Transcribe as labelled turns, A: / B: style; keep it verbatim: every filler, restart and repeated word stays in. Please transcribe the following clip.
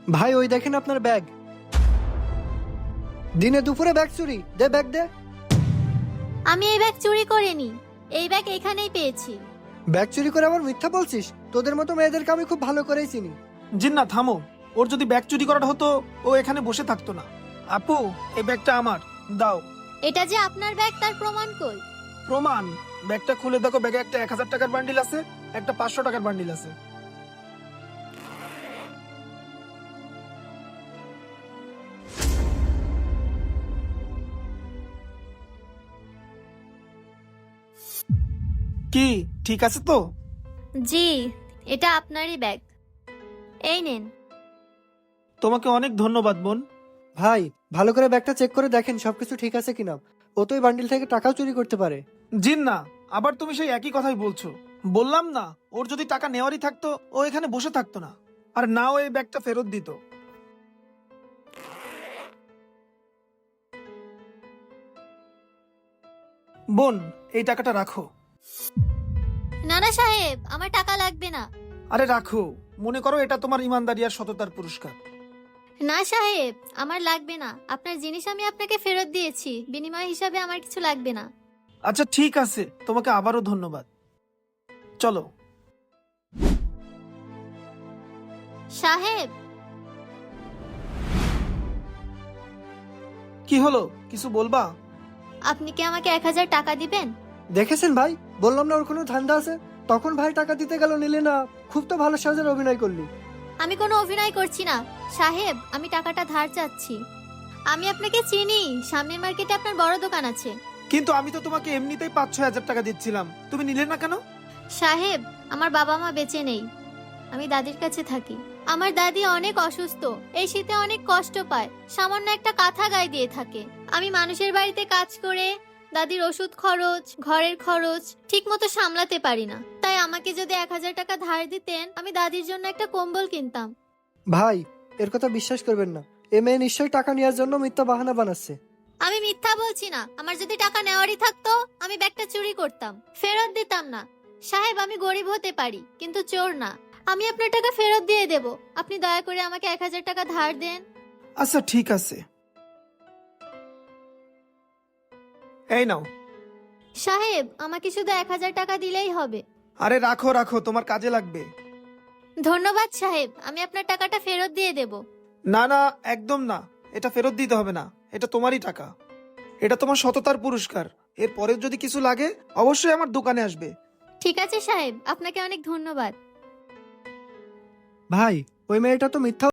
A: ভাই ওই দেখেন আপনার ব্যাগ। দিনে দুপুরে ব্যাগ চুরি, দে ব্যাগ দে।
B: আমি এই ব্যাগ চুরি করিনি, এই ব্যাগ এখানেই পেয়েছি।
A: ব্যাগ চুরি করে আবার মিথ্যা বলছিস? তোদের মতো মেয়েদেরকে আমি খুব ভালো করেই চিনি।
C: জিন্না থামো, ওর যদি ব্যাগ চুরি করাটা হতো ও এখানে বসে থাকতো না। আপু এই ব্যাগটা আমার, দাও।
B: এটা যে আপনার ব্যাগ তার প্রমাণ কই?
C: প্রমাণ? ব্যাগটা খুলে দেখো, ব্যাগে একটা এক হাজার টাকার বান্ডিল আছে, একটা পাঁচশো টাকার বান্ডিল আছে। কি ঠিক আছে তো?
B: জি, এটা আপনারই ব্যাগ, এই নেন।
C: তোমাকে অনেক ধন্যবাদ বোন।
A: ভাই ভালো করে ব্যাগটা চেক করে দেখেন সবকিছু ঠিক আছে কিনা। ও তো এই বান্ডিল থেকে টাকাও চুরি করতে পারে।
C: জিন্না, আবার তুমি সেই একই কথাই বলছো। বললাম না, ওর যদি টাকা নেওয়ারই থাকতো ও এখানে বসে থাকতো না, আর না ও এই ব্যাগটা ফেরত দিত। বোন এই টাকাটা রাখো।
B: নানা সাহেব, আমার টাকা লাগবে না।
C: আরে রাখো, মনে করো এটা তোমার ইমানদারি আর সততার পুরস্কার।
B: না সাহেব, আমার লাগবে না। আপনার জিনিস আমি আপনাকে ফেরত দিয়েছি, বিনিময় হিসাবে আমার কিছু লাগবে না।
C: আচ্ছা ঠিক আছে, তোমাকে আবারও ধন্যবাদ। চলো।
B: সাহেব,
C: কি হলো, কিছু বলবা?
B: আপনি কি আমাকে এক হাজার টাকা দিবেন?
A: দেখেছেন ভাই, বললাম না ওর কোনো ধান্দা আছে। তখন ভাই টাকা দিতে গেল, নিলে না। খুব তো ভালো সাজের অভিনয় করলি।
B: আমি কোনো অভিনয় করছি না সাহেব, আমি টাকাটা ধার চাচ্ছি। আমি আপনাকে চিনি, সামনের মার্কেটে আপনার বড় দোকান আছে।
C: কিন্তু আমি তো তোমাকে এমনিতেই পাঁচ ছয় হাজার টাকা দিচ্ছিলাম, তুমি নিলে না কেন?
B: সাহেব, আমার বাবা মা বেঁচে নেই, আমি দাদির কাছে থাকি। আমার দাদি অনেক অসুস্থ, এই শীতে অনেক কষ্ট পায়, সামান্য একটা কাঁথা গায়ে দিয়ে থাকে। আমি মানুষের বাড়িতে কাজ করে দাদির ওষুধ খরচ, ঘরের খরচ ঠিক মতো সামলাতে পারি না। তাই আমাকে যদি এক হাজার টাকা ধার দিতেন, আমি দাদির জন্য একটা কম্বল কিনতাম।
A: ভাই এর কথা বিশ্বাস করবেন না। এ মেয়ে নিশ্চয়ই টাকা নেওয়ার জন্য মিথ্যা বাহানা বানাচ্ছে।
B: আমি মিথ্যা বলছি না, আমার যদি টাকা নেওয়ারই থাকতো আমি ব্যাগটা চুরি করতাম, ফেরত দিতাম না। সাহেব, আমি গরিব হতে পারি কিন্তু চোর না। আমি আপনার টাকা ফেরত দিয়ে দেব, আপনি দয়া করে আমাকে এক হাজার টাকা ধার দেন।
C: আচ্ছা ঠিক আছে, এই নাও।
B: সাহেব, আমাকে শুধু এক হাজার টাকা দিলেই হবে।
C: আরে রাখো রাখো, তোমার কাজে লাগবে।
B: ধন্যবাদ সাহেব, আমি আপনার টাকাটা ফেরত দিয়ে দেব।
C: না না, একদম না, এটা ফেরত দিতে হবে না, এটা তোমারই টাকা। এটা তোমার সততার পুরস্কার। এরপরে যদি কিছু লাগে অবশ্যই আমার দোকানে আসবে।
B: ঠিক আছে সাহেব, আপনাকে অনেক ধন্যবাদ।
A: ভাই ওই মেয়েটা তো মিথ্যা